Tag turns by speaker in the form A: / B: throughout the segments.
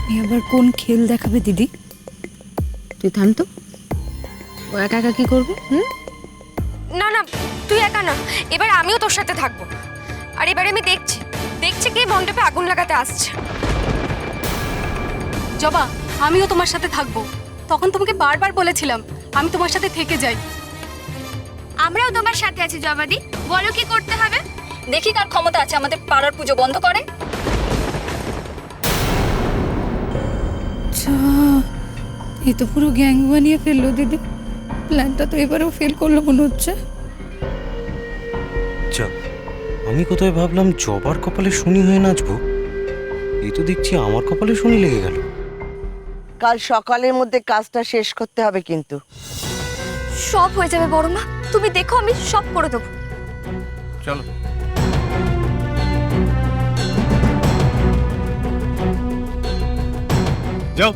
A: আবার কোন খেল দেখাবে দিদি?
B: তুই থাম তো, ও একা একা কি করবে?
C: না না, তুই একা না, এবার আমিও তোর সাথে থাকবো। আর এবারে আমি দেখছি দেখছি কে মণ্ডপে আগুন লাগাতে আসছে।
D: জবা, আমিও তোমার সাথে থাকবো। তখন তোমাকে বারবার বলেছিলাম আমি তোমার সাথে থেকে যাই।
C: আমরাও তোমার সাথে আছি জবাদি, বলো কি করতে হবে।
D: দেখি কার ক্ষমতা আছে আমাদের পাড়ার পুজো বন্ধ করে।
A: আচ্ছা, এই তো পুরো গ্যাং বানিয়ে ফেললো দিদি। প্ল্যানটা তো এবারেও ফেল করলো মনে হচ্ছে।
E: যা, আমি কোথায় ভাবলাম জবার কপালে শনি হয়ে নাচবো, এই তো দেখছি আমার কপালে শনি লেগে গেল।
F: কাল সকালের মধ্যে কাজটা শেষ করতে হবে কিন্তু।
C: সব হয়ে যাবে বড় মা, তুমি দেখো আমি সব করে দেবো।
E: চলো। যাও।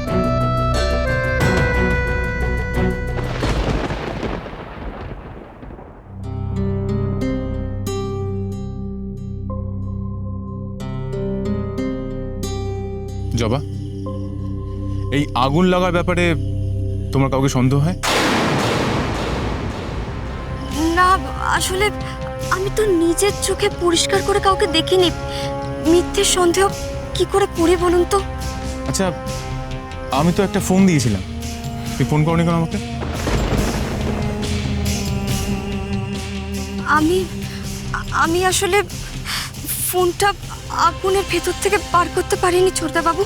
G: জবা, এই আগুন লাগার ব্যাপারে তোমার কাউকে সন্দেহ হয়?
C: না আসলে আমি তো নিজের চোখে পরিষ্কার করে কাউকে দেখিনি, মিথ্যে সন্দেহ কি করে করি বলুন তো।
G: আচ্ছা, আমি তো একটা ফোন দিয়েছিলাম, তুই ফোন করনি কেন আমাকে?
C: আমি আসলে ফোনটা আগুনের ভেতর থেকে বার করতে পারিনি ছোটদা বাবু।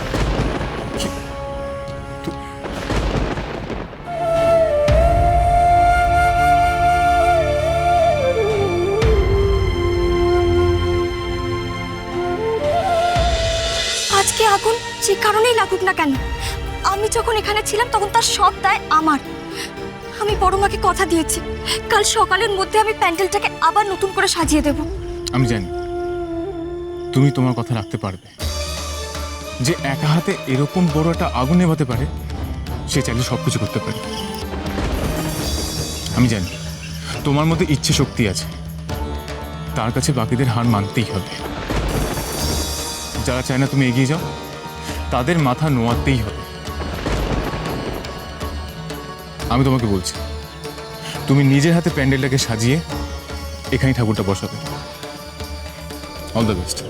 C: আজকে আগুন যে কারণেই লাগুক না কেন, আমি যখন এখানে ছিলাম তখন তার সব দায় আমার। আমি বড় মাকে কথা দিয়েছি কাল সকালের মধ্যে আমি প্যান্ডেলটাকে আবার নতুন করে সাজিয়ে দেব।
G: আমি জানি তুমি তোমার কথা রাখতে পারবে। যে একা হাতে এরকম বড় একটা আগুন নেভাতে পারে, সে চাইলে সবকিছু করতে পারে। আমি জানি তোমার মধ্যে ইচ্ছে শক্তি আছে, তার কাছে বাকিদের হার মানতেই হবে। যারা চায় না তুমি এগিয়ে যাও, তাদের মাথা নোয়াতেই হবে। আমি তোমাকে বলছি, তুমি নিজের হাতে প্যান্ডেলটাকে সাজিয়ে এখানে ঠাকুরটা বসাবে। All the best.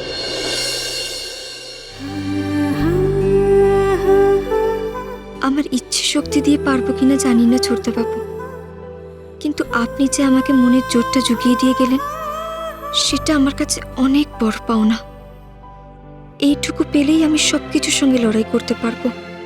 C: আমার ইচ্ছে শক্তি দিয়ে পারবো কিনা জানি না ছোটদা বাবু, কিন্তু আপনি যে আমাকে মনের জোরটা জুগিয়ে দিয়ে গেলেন, সেটা আমার কাছে অনেক বড় পাওনা। এইটুকু পেলেই আমি সবকিছুর সঙ্গে লড়াই করতে পারবো।